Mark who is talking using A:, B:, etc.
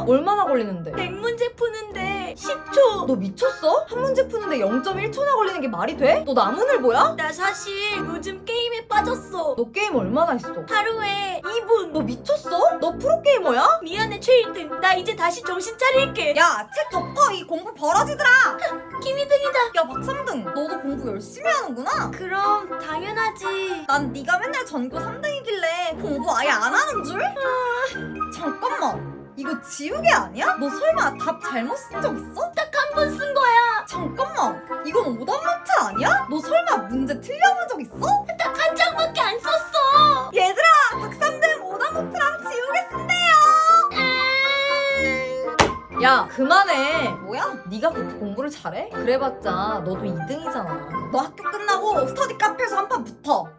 A: 얼마나 걸리는데?
B: 100문제 푸는데 10초.
A: 너 미쳤어? 한 문제 푸는데 0.1초나 걸리는 게 말이 돼? 너 나무늘보야?
B: 나 사실 요즘 게임에 빠졌어.
A: 너 게임 얼마나 했어?
B: 하루에 2분.
A: 너 미쳤어? 너 프로게이머야?
B: 미안해 최1등. 나 이제 다시 정신 차릴게.
C: 야, 책 덮어. 이 공부 버러지들아.
B: 김이등이다.
C: 야, 박삼등. 너도 공부 열심히 하는구나.
B: 그럼 당연하지.
C: 난 네가 맨날 전교 3등이길래 공부 아예 안 하는 줄? 잠깐만. 이거 지우개 아니야? 너 설마 답 잘못 쓴 적 있어?
B: 딱 한 번 쓴 거야.
C: 잠깐만. 이건 오답노트 아니야? 너 설마 문제 틀려본 적 있어?
B: 딱 한 장밖에 안 썼어.
C: 얘들아, 박삼등 오답노트랑 지우개 쓴대요.
A: 야 그만해.
C: 뭐야?
A: 네가 그렇게 공부를 잘해? 그래봤자 너도 2등이잖아.
C: 너 학교 끝나고 스터디 카페에서 한 판 붙어.